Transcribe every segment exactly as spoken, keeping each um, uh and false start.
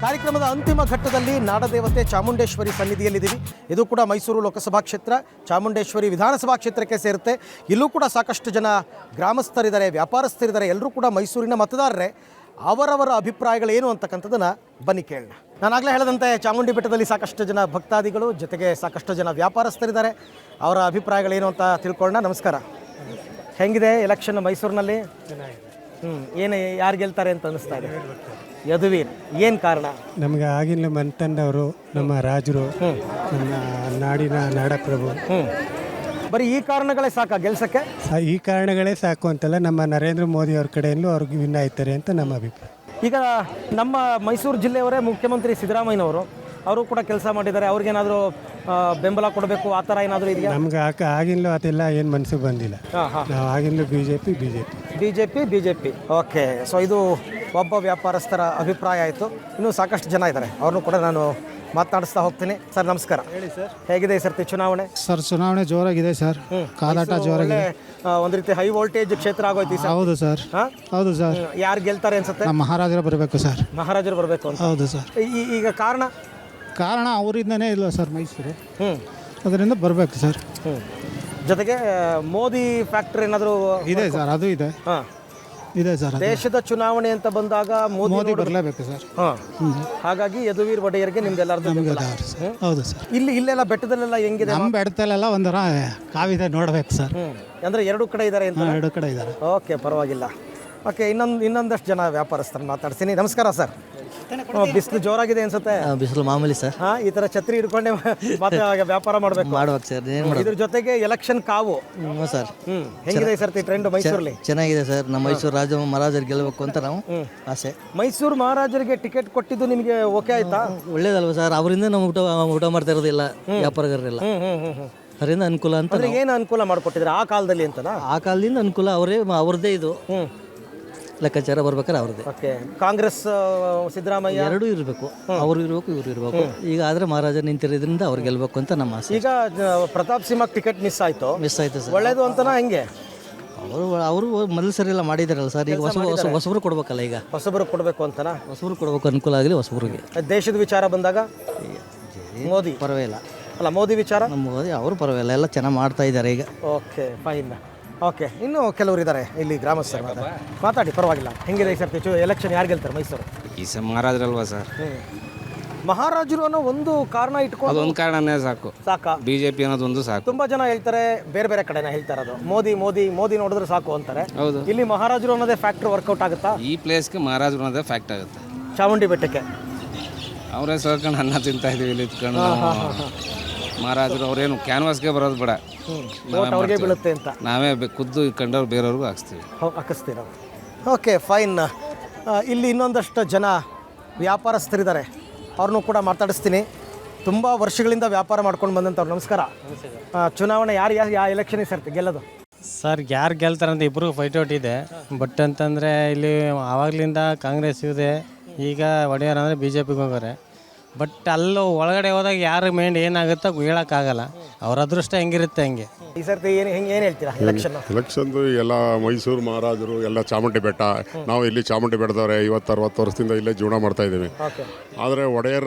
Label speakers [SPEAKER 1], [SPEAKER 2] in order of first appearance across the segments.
[SPEAKER 1] ಕಾರ್ಯಕ್ರಮದ ಅಂತಿಮ ಘಟ್ಟದಲ್ಲಿ ನಾಡದೇವತೆ ಚಾಮುಂಡೇಶ್ವರಿ ಸನ್ನಿಧಿಯಲ್ಲಿದ್ದೀವಿ. ಇದು ಕೂಡ ಮೈಸೂರು ಲೋಕಸಭಾ ಕ್ಷೇತ್ರ, ಚಾಮುಂಡೇಶ್ವರಿ ವಿಧಾನಸಭಾ ಕ್ಷೇತ್ರಕ್ಕೆ ಸೇರುತ್ತೆ. ಇಲ್ಲೂ ಕೂಡ ಸಾಕಷ್ಟು ಜನ ಗ್ರಾಮಸ್ಥರಿದ್ದಾರೆ, ವ್ಯಾಪಾರಸ್ಥರಿದ್ದಾರೆ, ಎಲ್ಲರೂ ಕೂಡ ಮೈಸೂರಿನ ಮತದಾರರೇ. ಅವರವರ ಅಭಿಪ್ರಾಯಗಳೇನು ಅಂತಕ್ಕಂಥದ್ದನ್ನು ಬನ್ನಿ ಕೇಳೋಣ. ನಾನಾಗಲೇ ಹೇಳಿದಂತೆ ಚಾಮುಂಡಿ ಬೆಟ್ಟದಲ್ಲಿ ಸಾಕಷ್ಟು ಜನ ಭಕ್ತಾದಿಗಳು, ಜೊತೆಗೆ ಸಾಕಷ್ಟು ಜನ ವ್ಯಾಪಾರಸ್ಥರಿದ್ದಾರೆ. ಅವರ ಅಭಿಪ್ರಾಯಗಳೇನು ಅಂತ ತಿಳ್ಕೊಳ್ಳೋಣ. ನಮಸ್ಕಾರ. ಹೆಂಗಿದೆ ಎಲೆಕ್ಷನ್ ಮೈಸೂರಿನಲ್ಲಿ? ಹ್ಞೂ ಏನು ಯಾರು ಗೆಲ್ತಾರೆ ಅಂತ ಅನ್ನಿಸ್ತಾ ಇದೆ? ಯದುವೀರ್. ಏನು ಕಾರಣ?
[SPEAKER 2] ನಮಗೆ ಆಗಿನ ಮಂತಂಡವರು, ನಮ್ಮ ರಾಜರು, ನಮ್ಮ ನಾಡಿನ ನಾಡಪ್ರಭು.
[SPEAKER 1] ಹ್ಞೂ ಬರೀ ಈ ಕಾರಣಗಳೇ ಸಾಕಾ ಗೆಲ್ಸಕ್ಕೆ?
[SPEAKER 2] ಈ ಕಾರಣಗಳೇ ಸಾಕು ಅಂತಲ್ಲ, ನಮ್ಮ ನರೇಂದ್ರ ಮೋದಿ ಅವ್ರ ಕಡೆಯಲ್ಲೂ ಅವ್ರಿಗೆ ವಿನ್ ಆಯ್ತಾರೆ ಅಂತ ನಮ್ಮ ಅಭಿಪ್ರಾಯ.
[SPEAKER 1] ಈಗ ನಮ್ಮ ಮೈಸೂರು ಜಿಲ್ಲೆಯವರೇ ಮುಖ್ಯಮಂತ್ರಿ ಸಿದ್ದರಾಮಯ್ಯನವರು, ಅವರು ಕೂಡ ಕೆಲಸ ಮಾಡಿದ್ದಾರೆ. ಅವ್ರಿಗೇನಾದರೂ ಬೆಂಬಲ ಕೊಡಬೇಕು ಆ ಥರ ಏನಾದರೂ ಇದೆಯಾ?
[SPEAKER 2] ನಮ್ಗೆ ಆಕ ಆಗಿನಲೂ ಅದೆಲ್ಲ ಏನು ಮನಸ್ಸಿಗೆ ಬಂದಿಲ್ಲ.
[SPEAKER 1] ಹಾಂ ಹಾಂ
[SPEAKER 2] ನಾವು ಆಗಿನಲೂ B J P B J P
[SPEAKER 1] B J P B J P okay. So ಇದು ಒಬ್ಬ ವ್ಯಾಪಾರಸ್ಥರ ಅಭಿಪ್ರಾಯ ಆಯಿತು. ಇನ್ನೂ ಸಾಕಷ್ಟು ಜನ ಇದ್ದಾರೆ, ಅವ್ರನ್ನೂ ಕೂಡ ನಾನು ಮಾತನಾಡಿಸ್ತಾ ಹೋಗ್ತೀನಿ. ಸರ್ ನಮಸ್ಕಾರ. ಹೇಳಿ ಸರ್, ಹೇಗಿದೆ ಈ ಸರ್ತಿ ಚುನಾವಣೆ?
[SPEAKER 2] ಸರ್ ಚುನಾವಣೆ ಜೋರಾಗಿದೆ ಸರ್, ಕಾದಾಟ ಜೋರಾಗಿದೆ.
[SPEAKER 1] ಒಂದು ರೀತಿ ಹೈ ವೋಲ್ಟೇಜ್ ಕ್ಷೇತ್ರ ಆಗೋಯ್ತು ಸರ್.
[SPEAKER 2] ಹೌದು ಸರ್, ಹೌದು ಸರ್.
[SPEAKER 1] ಯಾರು ಗೆಲ್ತಾರೆ ಅನ್ಸುತ್ತೆ?
[SPEAKER 2] ನಮ್ಮ ಮಹಾರಾಜರು ಬರಬೇಕು ಸರ್.
[SPEAKER 1] ಮಹಾರಾಜರು ಬರಬೇಕು ಅಂತ.
[SPEAKER 2] ಹೌದು ಸರ್.
[SPEAKER 1] ಈಗ ಕಾರಣ
[SPEAKER 2] ಕಾರಣ ಅವರಿಂದನೇ ಇಲ್ಲ ಸರ್ ಮೈಸೂರು,
[SPEAKER 1] ಹ್ಞೂ
[SPEAKER 2] ಅದರಿಂದ ಬರಬೇಕು ಸರ್.
[SPEAKER 1] ಹ್ಞೂ ಜೊತೆಗೆ ಮೋದಿ ಫ್ಯಾಕ್ಟರ್ ಏನಾದರೂ
[SPEAKER 2] ಇದೆ ಸರ್, ಅದು ಇದೆ.
[SPEAKER 1] ಹಾಂ
[SPEAKER 2] ಇದೆ ಸರ್.
[SPEAKER 1] ದೇಶದ ಚುನಾವಣೆ ಅಂತ ಬಂದಾಗ ಮೋದಿ
[SPEAKER 2] ಮೋದಿ ಬರಲೇಬೇಕು ಸರ್.
[SPEAKER 1] ಹಾಂ ಹಾಗಾಗಿ ಯದುವೀರ್ ಒಡೆಯರ್ಗೆ ನಿಮ್ದೆಲ್ಲರದು.
[SPEAKER 2] ಹೌದು ಸರ್.
[SPEAKER 1] ಇಲ್ಲಿ ಇಲ್ಲೆಲ್ಲ ಬೆಟ್ಟದಲ್ಲೆಲ್ಲ ಹೆಂಗಿದೆ?
[SPEAKER 2] ನಮ್ಮ ಬೆಟ್ಟದಲ್ಲೆಲ್ಲ ಒಂದರ ಕಾವಿದೆ, ನೋಡ್ಬೇಕು ಸರ್.
[SPEAKER 1] ಹ್ಞೂ ಅಂದರೆ ಎರಡು ಕಡೆ ಇದ್ದಾರೆ ಅಂತ?
[SPEAKER 2] ಎರಡು ಕಡೆ ಇದ್ದಾರೆ.
[SPEAKER 1] ಓಕೆ, ಪರವಾಗಿಲ್ಲ. ಓಕೆ, ಇನ್ನೊಂದು ಇನ್ನೊಂದಷ್ಟು ಜನ ವ್ಯಾಪಾರಸ್ಥರನ್ನು ಮಾತಾಡ್ತೀನಿ. ನಮಸ್ಕಾರ ಸರ್. ಬಿಸಿಲು ಜೋರಾಗಿದೆ ಅನ್ಸುತ್ತೆ?
[SPEAKER 3] ಬಿಸಿಲು ಮಾಮೂಲಿ ಸರ್.
[SPEAKER 1] ಹಾಂ, ಈ ಥರ ಛತ್ರಿ ಹಿಡ್ಕೊಂಡೆ ಮತ್ತೆ ವ್ಯಾಪಾರ ಮಾಡಬೇಕು
[SPEAKER 3] ಮಾಡ್ಬೇಕು ಸರ್. ಏನು ಮಾಡೋದು?
[SPEAKER 1] ಇದ್ರ ಜೊತೆಗೆ ಎಲೆಕ್ಷನ್ ಕಾವು.
[SPEAKER 3] ಹ್ಞೂ ಸರ್.
[SPEAKER 1] ಹ್ಞೂ ಹೆಂಗಿದೆ ಈ ಸರ್ತಿ ಟ್ರೆಂಡ್ ಮೈಸೂರಲ್ಲಿ?
[SPEAKER 3] ಚೆನ್ನಾಗಿದೆ ಸರ್. ನಮ್ಮ ಮೈಸೂರು ರಾಜ ಮಹಾರಾಜರು ಗೆಲ್ಲಬೇಕು ಅಂತ ನಾವು ಆಸೆ.
[SPEAKER 1] ಮೈಸೂರು ಮಹಾರಾಜರಿಗೆ ಟಿಕೆಟ್ ಕೊಟ್ಟಿದ್ದು ನಿಮಗೆ ಓಕೆ ಆಯ್ತಾ?
[SPEAKER 3] ಒಳ್ಳೇದಲ್ವ ಸರ್? ಅವರಿಂದ ನಾವು ಊಟ ಊಟ ಮಾಡ್ತಾ ಇರೋದಿಲ್ಲ ವ್ಯಾಪಾರಗಾರರೆಲ್ಲ,
[SPEAKER 1] ಹ್ಞೂ ಹ್ಞೂ ಹ್ಞೂ
[SPEAKER 3] ಅದರಿಂದ ಅನುಕೂಲ ಅಂತ.
[SPEAKER 1] ಅಂದ್ರೆ ಏನು ಅನುಕೂಲ ಮಾಡಿಕೊಟ್ಟಿದ್ರೆ ಆ ಕಾಲದಲ್ಲಿ ಅಂತನಾ?
[SPEAKER 3] ಆ ಕಾಲದಿಂದ ಅನುಕೂಲ, ಅವರೇ ಅವ್ರದ್ದೇ ಇದು
[SPEAKER 1] ಹ್ಞೂ
[SPEAKER 3] ಲೆಕ್ಕಾಚಾರ ಬರ್ಬೇಕಾದ್ರೆ ಅವ್ರದ್ದೇ.
[SPEAKER 1] ಓಕೆ, ಕಾಂಗ್ರೆಸ್ ಸಿದ್ದರಾಮಯ್ಯ
[SPEAKER 3] ಎರಡೂ ಇರಬೇಕು, ಅವರು ಇರಬೇಕು ಇವರು ಇರಬೇಕು. ಈಗ ಆದರೆ ಮಹಾರಾಜ ನಿಂತಿರೋದ್ರಿಂದ ಅವ್ರು ಗೆಲ್ಲಬೇಕು ಅಂತ ನಮ್ಮ ಆಸೆ.
[SPEAKER 1] ಈಗ ಪ್ರತಾಪ್ ಸಿಂಹ ಟಿಕೆಟ್ ಮಿಸ್ ಆಯಿತು.
[SPEAKER 3] ಮಿಸ್ ಆಯ್ತು ಸರ್.
[SPEAKER 1] ಒಳ್ಳೇದು ಅಂತನಾ ಹೆಂಗೆ?
[SPEAKER 3] ಅವರು ಅವರು ಮೊದಲು ಸರಿ ಎಲ್ಲ ಮಾಡಿದಾರಲ್ಲ ಸರ್. ಈಗ ಹೊಸ ಹೊಸ ಹೊಸಬ್ರು ಕೊಡ್ಬೇಕಲ್ಲ, ಈಗ
[SPEAKER 1] ಹೊಸಬರು ಕೊಡಬೇಕು ಅಂತನಾ?
[SPEAKER 3] ಹೊಸಬ್ರು ಕೊಡ್ಬೇಕು, ಅನುಕೂಲ ಆಗಲಿ ಹೊಸಬ್ರಿಗೆ.
[SPEAKER 1] ದೇಶದ ವಿಚಾರ ಬಂದಾಗ ಮೋದಿ
[SPEAKER 3] ಪರವಾಗಿಲ್ಲ
[SPEAKER 1] ಅಲ್ಲ, ಮೋದಿ ವಿಚಾರ
[SPEAKER 3] ನಮ್ಮ ಮೋದಿ ಅವರು ಪರವಾಗಿಲ್ಲ, ಎಲ್ಲ ಚೆನ್ನಾಗಿ ಮಾಡ್ತಾ ಇದ್ದಾರೆ ಈಗ.
[SPEAKER 1] Okay, fine. ಓಕೆ, ಇನ್ನೂ ಕೆಲವರು ಇದ್ದಾರೆ ಇಲ್ಲಿ ಗ್ರಾಮಸ್ಥರು, ಮಾತಾಡಿ, ಪರವಾಗಿಲ್ಲ. ಹೆಂಗಿದೆ ಈ ಸರ್ತಿ ಎಲೆಕ್ಷನ್? ಯಾರು ಗೆಲ್ತಾರೆ ಮೈಸೂರು?
[SPEAKER 4] ಈ ಸಹ ಮಹಾರಾಜರಲ್ವಾ ಸರ್?
[SPEAKER 1] ಹ್ಞೂ ಮಹಾರಾಜರು ಅನ್ನೋ ಒಂದು ಕಾರಣ ಇಟ್ಕೊಂಡು,
[SPEAKER 4] ಅದೊಂದು ಕಾರಣನೇ ಸಾಕು,
[SPEAKER 1] ಸಾಕಾ?
[SPEAKER 4] ಬಿ ಜೆ ಪಿ ಅನ್ನೋದೊಂದು ಸಾಕು.
[SPEAKER 1] ತುಂಬಾ ಜನ ಹೇಳ್ತಾರೆ, ಬೇರೆ ಬೇರೆ ಕಡೆನ ಹೇಳ್ತಾ ಇರೋದು ಮೋದಿ ಮೋದಿ ಮೋದಿ ನೋಡಿದ್ರೆ ಸಾಕು ಅಂತಾರೆ.
[SPEAKER 4] ಹೌದು.
[SPEAKER 1] ಇಲ್ಲಿ ಮಹಾರಾಜರು ಅನ್ನೋದೇ ಫ್ಯಾಕ್ಟರ್ ವರ್ಕೌಟ್ ಆಗುತ್ತಾ?
[SPEAKER 4] ಈ ಪ್ಲೇಸ್ಗೆ ಮಹಾರಾಜರು ಅನ್ನೋದೇ ಫ್ಯಾಕ್ಟ್ ಆಗುತ್ತೆ.
[SPEAKER 1] ಚಾಮುಂಡಿ ಬೆಟ್ಟಕ್ಕೆ
[SPEAKER 4] ಅವರೇ ಸರ್ಕೊಂಡು ಅನ್ನ ತಿಂತಾ ಇದೀವಿ ಇಲ್ಲಿ ಇತ್ಕೊಂಡು. ಮಹಾರಾಜರು ಅವ್ರೇನು ಕ್ಯಾನ್ವಾಸ್ಗೆ ಬರೋದು ಬೇಡ,
[SPEAKER 1] ಅವ್ರಿಗೆ ಬೀಳುತ್ತೆ ಅಂತ
[SPEAKER 4] ನಾವೇ ಖುದ್ದು ಕಂಡವ್ರು ಬೇರೆಯವ್ರಿಗೂ ಹಾಕ್ಸ್ತೀವಿ,
[SPEAKER 1] ಹಾಕಿಸ್ತೀವಿ ನಾವು. Okay, fine. ಇಲ್ಲಿ ಇನ್ನೊಂದಷ್ಟು ಜನ ವ್ಯಾಪಾರಸ್ಥರಿದ್ದಾರೆ, ಅವ್ರನ್ನೂ ಕೂಡ ಮಾತಾಡಿಸ್ತೀನಿ. ತುಂಬ ವರ್ಷಗಳಿಂದ ವ್ಯಾಪಾರ ಮಾಡ್ಕೊಂಡು ಬಂದಂಥವ್ರು. ನಮಸ್ಕಾರ. ಚುನಾವಣೆ ಯಾರು ಯಾರು ಯಾವ ಎಲೆಕ್ಷನ್ ಸರ್ತಿ ಗೆಲ್ಲೋದು?
[SPEAKER 5] ಸರ್ ಯಾರು ಗೆಲ್ತಾರೆ ಅಂತ ಇಬ್ಬರಿಗೂ ಫೈಟ್ ಔಟ್ ಇದೆ. ಬಟ್ ಅಂತಂದರೆ ಇಲ್ಲಿ ಆವಾಗಲಿಂದ ಕಾಂಗ್ರೆಸ್ ಇದೆ, ಈಗ ಒಡೆಯರ್ ಅಂದರೆ ಬಿ ಜೆ ಪಿಗೆ ಹೋಗೋರೆ. ಬಟ್ ಅಲ್ಲೂ ಒಳಗಡೆ ಹೋದಾಗ ಯಾರು ಮೈಂಡ್ ಏನಾಗುತ್ತೋ ಹೇಳೋಕ್ಕಾಗಲ್ಲ, ಅವ್ರ ಅದೃಷ್ಟ ಹೆಂಗಿರುತ್ತೆ ಹಂಗೆ.
[SPEAKER 1] ಈ ಸರ್ತಿ ಏನು ಹೆಂಗೆ ಏನು ಹೇಳ್ತೀರಾ ಎಲೆಕ್ಷನ್?
[SPEAKER 6] ಎಲೆಕ್ಷನ್ದು ಎಲ್ಲ ಮೈಸೂರು ಮಹಾರಾಜರು ಎಲ್ಲ ಚಾಮುಂಡಿ ಬೆಟ್ಟ. ನಾವು ಇಲ್ಲಿ ಚಾಮುಂಡಿ ಬೆಟ್ಟದವ್ರೆ, ಐವತ್ತು ಅರವತ್ತು ವರ್ಷದಿಂದ ಇಲ್ಲೇ ಜೀವನ ಮಾಡ್ತಾ ಇದ್ದೀವಿ. ಆದರೆ ಒಡೆಯರ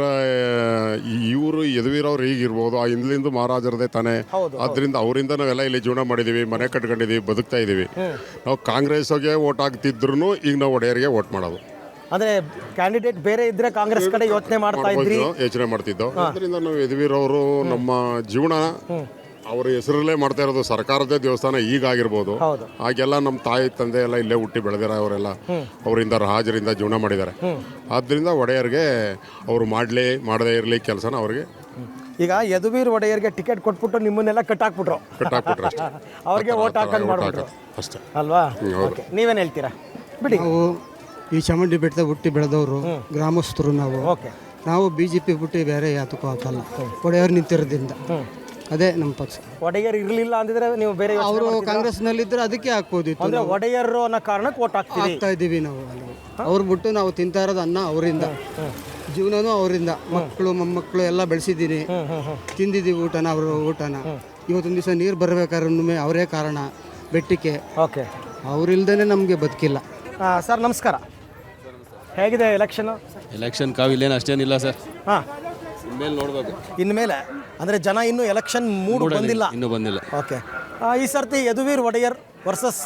[SPEAKER 6] ಇವರು ಯದುವೀರವ್ರು ಈಗಿರ್ಬೋದು, ಆ ಹಿಂದ್ಲಿಂದ ಮಹಾರಾಜರದೇ ತಾನೇ. ಆದ್ದರಿಂದ ಅವರಿಂದ ನಾವೆಲ್ಲ ಇಲ್ಲಿ ಜೀವನ ಮಾಡಿದ್ದೀವಿ, ಮನೆ ಕಟ್ಕೊಂಡಿದ್ದೀವಿ, ಬದುಕ್ತಾ ಇದ್ದೀವಿ. ನಾವು ಕಾಂಗ್ರೆಸ್ಗೆ ಓಟ್ ಹಾಕ್ತಿದ್ರು ಈಗ ನಾವು ಒಡೆಯರಿಗೆ ಓಟ್ ಮಾಡೋದು.
[SPEAKER 1] ಅಂದ್ರೆ ಕ್ಯಾಂಡಿಡೇಟ್ ಬೇರೆ ಇದ್ರೆ ಕಾಂಗ್ರೆಸ್ ಕಡೆ ಯೋಚನೆ ಮಾಡ್ತಾ ಇದ್ರಿ?
[SPEAKER 6] ಯೋಚನೆ ಮಾಡ್ತಿದ್ದೋ. ಅದರಿಂದ ನಾವು ಯದುವೀರವರು ನಮ್ಮ ಜೀವನ ಅವ್ರ ಹೆಸರಲ್ಲೇ ಮಾಡ್ತಾ ಇರೋದು. ಸರ್ಕಾರದೇ ದೇವಸ್ಥಾನ ಈಗಾಗಿರ್ಬೋದು, ಆಗೆಲ್ಲ ನಮ್ಮ ತಾಯಿ ತಂದೆ ಎಲ್ಲ ಇಲ್ಲೇ ಹುಟ್ಟಿ ಬೆಳೆದಿರ ಅವರೆಲ್ಲ ಅವರಿಂದ ರಾಜರಿಂದ ಜೀವನ ಮಾಡಿದ್ದಾರೆ. ಆದ್ದರಿಂದ ಒಡೆಯರ್ಗೆ ಅವರು ಮಾಡಲಿ ಮಾಡದೇ ಇರಲಿ ಕೆಲಸನ ಅವ್ರಿಗೆ.
[SPEAKER 1] ಈಗ ಯದುವೀರ್ ಒಡೆಯರ್ಗೆ ಟಿಕೆಟ್ ಕೊಟ್ಬಿಟ್ಟು ನಿಮ್ಮನ್ನೆಲ್ಲ ಕಟ್ಟಾಕ್ಬಿಟ್ರು
[SPEAKER 6] ಕಟ್ಟಾಕ್ಬಿಟ್ರು ಅಷ್ಟೇ,
[SPEAKER 1] ಅವ್ರಿಗೆ ಓಟ್ ಹಾಕೊಂಡು ಮಾಡ್ಬಿಟ್ರು
[SPEAKER 6] ಅಷ್ಟೇ
[SPEAKER 1] ಅಲ್ವಾ? ನೀವೇನು ಹೇಳ್ತೀರಾ? ಬಿಡಿ,
[SPEAKER 2] ನಾವು ಈ ಚಾಮುಂಡಿ ಬೆಟ್ಟದ ಹುಟ್ಟಿ ಬೆಳೆದವರು ಗ್ರಾಮಸ್ಥರು. ನಾವು ನಾವು ಬಿ ಜೆ ಪಿ ಬಿಟ್ಟು ಬೇರೆ ಯಾತಕ್ಕೂ ಹಾಕಲ್ಲ, ಒಡೆಯವ್ರು ನಿಂತಿರೋದ್ರಿಂದ. ಅದೇ ನಮ್ಮ ಪಕ್ಷ.
[SPEAKER 1] ಒಡೆಯರ್ ಇರಲಿಲ್ಲ ಅಂದಿದ್ರೆ ನೀವು ಬೇರೆ
[SPEAKER 2] ಅವರು ಕಾಂಗ್ರೆಸ್ನಲ್ಲಿದ್ದರೆ ಅದಕ್ಕೆ ಹಾಕ್ಬೋದಿತ್ತು.
[SPEAKER 1] ಅಂದ್ರೆ ಒಡೆಯರ್ ಅನ್ನೋ ಕಾರಣಕ್ಕೆ ಓಟ್ ಹಾಕ್ತಾ
[SPEAKER 2] ಇದ್ದೀವಿ ನಾವು. ಅವ್ರು ಬಿಟ್ಟು ನಾವು ತಿಂತಾ ಇರೋದು ಅನ್ನ ಅವರಿಂದ, ಜೀವನನೂ ಅವರಿಂದ, ಮಕ್ಕಳು ಮೊಮ್ಮಕ್ಕಳು ಎಲ್ಲ ಬೆಳೆಸಿದ್ದೀನಿ, ತಿಂದಿದ್ದೀವಿ ಊಟನ, ಅವರು ಊಟನ. ಇವತ್ತೊಂದು ದಿವಸ ನೀರು ಬರಬೇಕಾದ್ರೂ ಅವರೇ ಕಾರಣ ಬೆಟ್ಟಕ್ಕೆ.
[SPEAKER 1] ಓಕೆ,
[SPEAKER 2] ಅವರಿಲ್ದೇ ನಮಗೆ ಬದುಕಿಲ್ಲ.
[SPEAKER 1] ಸರ್ ನಮಸ್ಕಾರ. ಹೇಗಿದೆ ಎಲೆಕ್ಷನ್?
[SPEAKER 7] ಎಲೆಕ್ಷನ್ ಕಾವಿಲ್ಲೇನು ಅಷ್ಟೇನಿಲ್ಲ ಸರ್,
[SPEAKER 1] ಹಾಂ,
[SPEAKER 7] ಇನ್ಮೇಲೆ ನೋಡಬೇಕು.
[SPEAKER 1] ಇನ್ಮೇಲೆ ಅಂದರೆ ಜನ ಇನ್ನೂ ಎಲೆಕ್ಷನ್ ಮೂಡ್ ಬಂದಿಲ್ಲ.
[SPEAKER 7] ಇನ್ನೂ ಬಂದಿಲ್ಲ.
[SPEAKER 1] ಓಕೆ, ಈ ಸರ್ತಿ ಯದುವೀರ್ ಒಡೆಯರ್ ವರ್ಸಸ್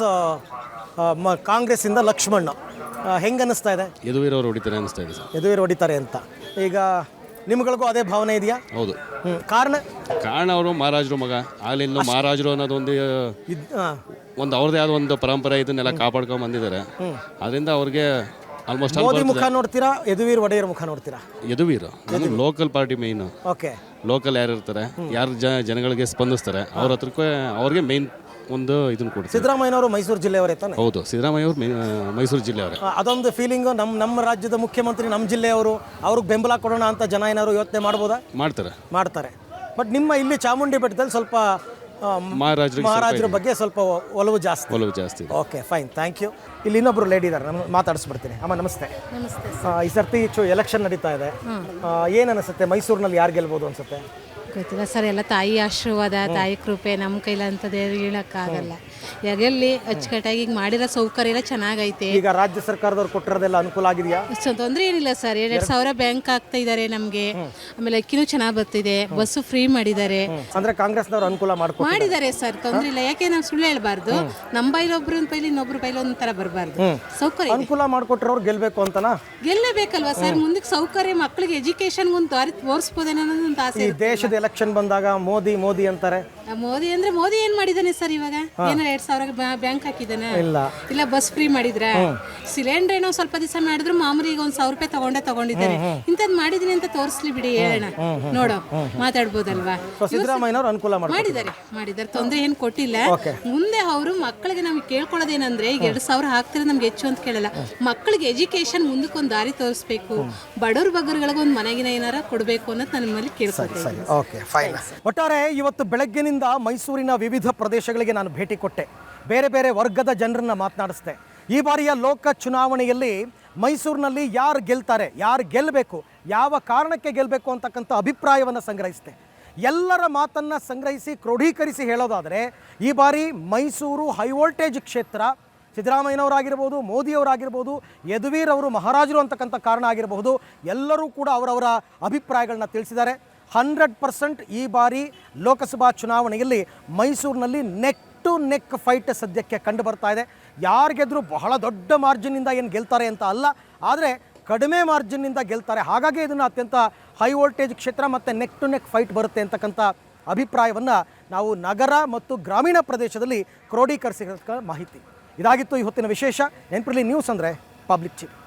[SPEAKER 1] ಕಾಂಗ್ರೆಸ್ಸಿಂದ ಲಕ್ಷ್ಮಣ್, ಹೆಂಗೆ ಅನ್ನಿಸ್ತಾ ಇದೆ?
[SPEAKER 7] ಯದುವೀರ್ ಅವರು ಹೊಡಿತಾರೆ ಅನಿಸ್ತಾ ಇದೆ ಸರ್.
[SPEAKER 1] ಯದುವೀರ್ ಹೊಡಿತಾರೆ ಅಂತ. ಈಗ ನಿಮ್ಗಳಿಗೂ ಅದೇ ಭಾವನೆ ಇದೆಯಾ?
[SPEAKER 7] ಹೌದು.
[SPEAKER 1] ಹ್ಞೂ, ಕಾರಣ?
[SPEAKER 7] ಕಾರಣ ಅವರು ಮಹಾರಾಜರು ಮಗ, ಆಗ್ಲಿಂದ ಮಹಾರಾಜರು ಅನ್ನೋದೊಂದು
[SPEAKER 1] ಇದ್ ಹಾಂ,
[SPEAKER 7] ಒಂದು ಅವ್ರದ್ದೇ ಆದ ಒಂದು ಪರಂಪರೆ ಇದನ್ನೆಲ್ಲ ಕಾಪಾಡ್ಕೊಂಡು ಬಂದಿದ್ದಾರೆ. ಅದರಿಂದ ಅವ್ರಿಗೆ ಆಲ್ಮೋಸ್ಟ್
[SPEAKER 1] ಮೋದಿ ಮುಖ ನೋಡ್ತೀರಾ, ಯದುವೀರ್ ಒಡೆಯರ್ ಮುಖ ನೋಡ್ತೀರಾ?
[SPEAKER 7] ಯದುವೀರ್ ನಮಗೆ local party main.
[SPEAKER 1] Okay,
[SPEAKER 7] local ಯಾರು ಇರ್ತಾರೆ, ಯಾರು ಜ ಜನಗಳಿಗೆ ಸ್ಪಂದಿಸ್ತಾರೆ ಅವ್ರ ಹತ್ರಕ್ಕೆ ಅವ್ರಿಗೆ ಮೇಯ್ನ್ ಒಂದು ಇದನ್ನು ಕೊಡ್ತಾರೆ.
[SPEAKER 1] ಸಿದ್ದರಾಮಯ್ಯನವರು ಮೈಸೂರು ಜಿಲ್ಲೆಯವರೇ ತಾನೆ?
[SPEAKER 7] ಹೌದು, ಸಿದ್ದರಾಮಯ್ಯ ಅವರು ಮೈಸೂರು ಜಿಲ್ಲೆಯವರೇ.
[SPEAKER 1] ಆ, ಅದೊಂದು ಫೀಲಿಂಗು ನಮ್ಮ ನಮ್ಮ ರಾಜ್ಯದ ಮುಖ್ಯಮಂತ್ರಿ ನಮ್ಮ ಜಿಲ್ಲೆಯವರು, ಅವ್ರಿಗೆ ಬೆಂಬಲ ಕೊಡೋಣ ಅಂತ ಜನ ಏನಾದ್ರು ಯೋಚನೆ ಮಾಡ್ಬೋದಾ?
[SPEAKER 7] ಮಾಡ್ತಾರೆ
[SPEAKER 1] ಮಾಡ್ತಾರೆ. ಬಟ್ ನಿಮ್ಮ ಇಲ್ಲಿ ಚಾಮುಂಡಿ ಬೆಟ್ಟದಲ್ಲಿ ಸ್ವಲ್ಪ ಆ,
[SPEAKER 7] ಮಹಾರಾಜರಿಗೆ
[SPEAKER 1] ಮಹಾರಾಜರ ಬಗ್ಗೆ ಸ್ವಲ್ಪ ಒ- ಒಲವು ಜಾಸ್ತಿ.
[SPEAKER 7] ಒಲವು ಜಾಸ್ತಿ ಇದೆ.
[SPEAKER 1] Okay, fine, thank you. ಇಲ್ಲಿ ಇನ್ನೊಬ್ರು ಲೇಡಿ ಇದ್ದಾರೆ, ನಾನು ಮಾತಾಡಿಸ್ಬಿಡ್ತೀನಿ. ಅಮ್ಮ ನಮಸ್ತೆ.
[SPEAKER 8] ನಮಸ್ತೆ.
[SPEAKER 1] ಆ, ಈ ಸರ್ತಿ ಚು ಎಲೆಕ್ಷನ್ ನಡೀತಾ ಇದೆ. ಏನು ಅನಿಸುತ್ತೆ, ಮೈಸೂರಿನಲ್ಲಿ ಯಾರು ಗೆಲ್ಬೋದು ಅನ್ಸುತ್ತೆ?
[SPEAKER 8] ಗೊತ್ತಿಲ್ಲ ಸರ್, ಎಲ್ಲ ತಾಯಿ ಆಶೀರ್ವಾದ, ತಾಯಿ ಕೃಪೆ, ನಮ್ಮ ಕೈಲಂಥದ್ದು ಹೇಳೋಕ್ಕಾಗಲ್ಲ. ಯಾಗೆಲ್ಲಿ ಅಚ್ಚುಕಟ್ಟಾಗಿ ಈಗ ಮಾಡಿರೋ ಸೌಕರ್ಯ ಎಲ್ಲ ಚೆನ್ನಾಗೈತೆ.
[SPEAKER 1] ಈಗ ರಾಜ್ಯ ಸರ್ಕಾರದವ್ರು ಕೊಟ್ಟಿರೋದೆಲ್ಲ ಅನುಕೂಲ ಆಗಿದೆಯಾ?
[SPEAKER 8] ಅಷ್ಟು ತೊಂದರೆ ಏನಿಲ್ಲ ಸರ್. ಎರಡೆರಡು ಸಾವಿರ ಬ್ಯಾಂಕ್ ಆಗ್ತಾ ಇದ್ದಾರೆ ನಮಗೆ. ಆಮೇಲೆ ಅಕ್ಕಿನೂ ಚೆನ್ನಾಗಿ ಬರ್ತಿದೆ, ಬಸ್ಸು ಫ್ರೀ ಮಾಡಿದ್ದಾರೆ.
[SPEAKER 1] ಅಂದ್ರೆ ಕಾಂಗ್ರೆಸ್ನವ್ರು ಅನುಕೂಲ ಮಾಡ್ಕೊ
[SPEAKER 8] ಮಾಡಿದ್ದಾರೆ ಸರ್, ತೊಂದರೆ ಇಲ್ಲ. ಯಾಕೆ ನಾವು ಸುಳ್ಳು ಹೇಳ್ಬಾರ್ದು. ನಮ್ಮ ಬೈಲ್ ಒಬ್ರು ಬೈಲಿ ಇನ್ನೊಬ್ರು ಬೈಲಿ ಒಂಥರ ಬರಬಾರ್ದು. ಸೌಕರ್ಯ ಇದೆ.
[SPEAKER 1] ಅನುಕೂಲ ಮಾಡ್ಕೊಟ್ರವ್ರು ಗೆಲ್ಬೇಕು ಅಂತನಾ?
[SPEAKER 8] ಗೆಲ್ಲಬೇಕಲ್ವಾ ಸರ್? ಮುಂದಕ್ಕೆ ಸೌಕರ್ಯ, ಮಕ್ಕಳಿಗೆ ಎಜುಕೇಶನ್ಗೆ ಒಂದು ದಾರಿ ತೋರಿಸ್ಬೋದೇನೋ ಅನ್ನೋದು ಒಂದು ಆಸೆ
[SPEAKER 1] ಈ
[SPEAKER 8] ಇರುತ್ತೆ.
[SPEAKER 1] ದೇಶದ ಎಲೆಕ್ಷನ್ ಬಂದಾಗ ಮೋದಿ ಮೋದಿ ಅಂತಾರೆ.
[SPEAKER 8] ಆ ಮೋದಿ ಅಂದ್ರೆ ಮೋದಿ ಏನ್ ಮಾಡಿದಾನೆ ಸರ್ ಇವಾಗ? ಏನೋ ಎರಡ್ ಸಾವಿರ ಬ್ಯಾಂಕ್ ಹಾಕಿದಾನೆ?
[SPEAKER 1] ಇಲ್ಲ.
[SPEAKER 8] ಇಲ್ಲ ಬಸ್ ಫ್ರೀ ಮಾಡಿದ್ರ? ಸಿಲಿಂಡರ್ ಏನೋ ಸ್ವಲ್ಪ ದಿವಸ ಮಾಡಿದ್ರು, ಮಾಮೂಲಿ ಈಗ ಒಂದ್ ಸಾವಿರ ರೂಪಾಯಿ ತಗೊಂಡೇ ತಗೊಂಡಿದ್ದಾರೆ. ಇಂಥದ್ದು ಮಾಡಿದೀನಿ ಅಂತ ತೋರಿಸ್ಲಿ ಬಿಡಿ, ಹೇಳೋಣ, ನೋಡೋ, ಮಾತಾಡ್ಬೋದಲ್ವಾ?
[SPEAKER 1] ಸಿದ್ದರಾಮಯ್ಯನವ್ರು ಅನುಕೂಲ ಮಾಡಿ
[SPEAKER 8] ಮಾಡಿದ್ದಾರೆ ಮಾಡಿದ್ದಾರೆ ತೊಂದರೆ ಏನು ಕೊಟ್ಟಿಲ್ಲ. ಮುಂದೆ ಅವರು ಮಕ್ಕಳಿಗೆ ನಮ್ಗೆ ಕೇಳ್ಕೊಳ್ಳೋದೇನಂದ್ರೆ, ಈಗ ಎರಡ್ ಸಾವಿರ ಹಾಕ್ತಿರೋ ನಮ್ಗೆ ಹೆಚ್ಚು ಅಂತ ಕೇಳಲ್ಲ. ಮಕ್ಕಳಿಗೆ ಎಜುಕೇಶನ್ ಮುಂದಕ್ಕೆ ಒಂದು ದಾರಿ ತೋರಿಸ್ಬೇಕು, ಬಡವ್ರ ಬಗ್ಗರುಗಳಿಗೆ ಒಂದು ಮನೆಗಿನ ಏನಾರ ಕೊಡಬೇಕು ಅನ್ನೋದು ನನ್ನ ಮೇಲೆ ಕೇಳ್ಕೊಳ್ತೀನಿ.
[SPEAKER 1] Okay, fine. ಒಟ್ಟಾರೆ ಇವತ್ತು ಬೆಳಗ್ಗಿನಿಂದ ಮೈಸೂರಿನ ವಿವಿಧ ಪ್ರದೇಶಗಳಿಗೆ ನಾನು ಭೇಟಿ ಕೊಟ್ಟೆ, ಬೇರೆ ಬೇರೆ ವರ್ಗದ ಜನರನ್ನ ಮಾತನಾಡಿಸ್ದೆ. ಈ ಬಾರಿಯ ಲೋಕ ಚುನಾವಣೆಯಲ್ಲಿ ಮೈಸೂರಿನಲ್ಲಿ ಯಾರು ಗೆಲ್ತಾರೆ, ಯಾರು ಗೆಲ್ಲಬೇಕು, ಯಾವ ಕಾರಣಕ್ಕೆ ಗೆಲ್ಲಬೇಕು ಅಂತಕ್ಕಂಥ ಅಭಿಪ್ರಾಯವನ್ನು ಸಂಗ್ರಹಿಸಿದೆ. ಎಲ್ಲರ ಮಾತನ್ನು ಸಂಗ್ರಹಿಸಿ ಕ್ರೋಢೀಕರಿಸಿ ಹೇಳೋದಾದರೆ, ಈ ಬಾರಿ ಮೈಸೂರು ಹೈ ವೋಲ್ಟೇಜ್ ಕ್ಷೇತ್ರ. ಸಿದ್ದರಾಮಯ್ಯನವರಾಗಿರ್ಬೋದು, ಮೋದಿಯವರಾಗಿರ್ಬೋದು, ಯದುವೀರ್ ಅವರು ಮಹಾರಾಜರು ಅಂತಕ್ಕಂಥ ಕಾರಣ ಆಗಿರಬಹುದು, ಎಲ್ಲರೂ ಕೂಡ ಅವರವರ ಅಭಿಪ್ರಾಯಗಳನ್ನ ತಿಳಿಸಿದ್ದಾರೆ. ಹಂಡ್ರೆಡ್ ಪರ್ಸೆಂಟ್ ಈ ಬಾರಿ ಲೋಕಸಭಾ ಚುನಾವಣೆಯಲ್ಲಿ ಮೈಸೂರಿನಲ್ಲಿ ನೆಕ್ ಟು ನೆಕ್ ಫೈಟ್ ಸದ್ಯಕ್ಕೆ ಕಂಡು ಬರ್ತಾ ಇದೆ. ಯಾರು ಗೆದ್ದರೂ ಬಹಳ ದೊಡ್ಡ ಮಾರ್ಜಿನ್ನಿಂದ ಏನು ಗೆಲ್ತಾರೆ ಅಂತ ಅಲ್ಲ, ಆದರೆ ಕಡಿಮೆ ಮಾರ್ಜಿನ್ನಿಂದ ಗೆಲ್ತಾರೆ. ಹಾಗಾಗಿ ಇದನ್ನು ಅತ್ಯಂತ ಹೈ ವೋಲ್ಟೇಜ್ ಕ್ಷೇತ್ರ ಮತ್ತು ನೆಕ್ ಟು ನೆಕ್ ಫೈಟ್ ಬರುತ್ತೆ ಅಂತಕ್ಕಂಥ ಅಭಿಪ್ರಾಯವನ್ನು ನಾವು ನಗರ ಮತ್ತು ಗ್ರಾಮೀಣ ಪ್ರದೇಶದಲ್ಲಿ ಕ್ರೋಢೀಕರಿಸಿದ ಮಾಹಿತಿ. ಇದಾಗಿತ್ತು ಇವತ್ತಿನ ವಿಶೇಷ. ನೆನಪಿರಲಿ, ನ್ಯೂಸ್ ಅಂದರೆ ಪಬ್ಲಿಕ್ ಚಿಪ್.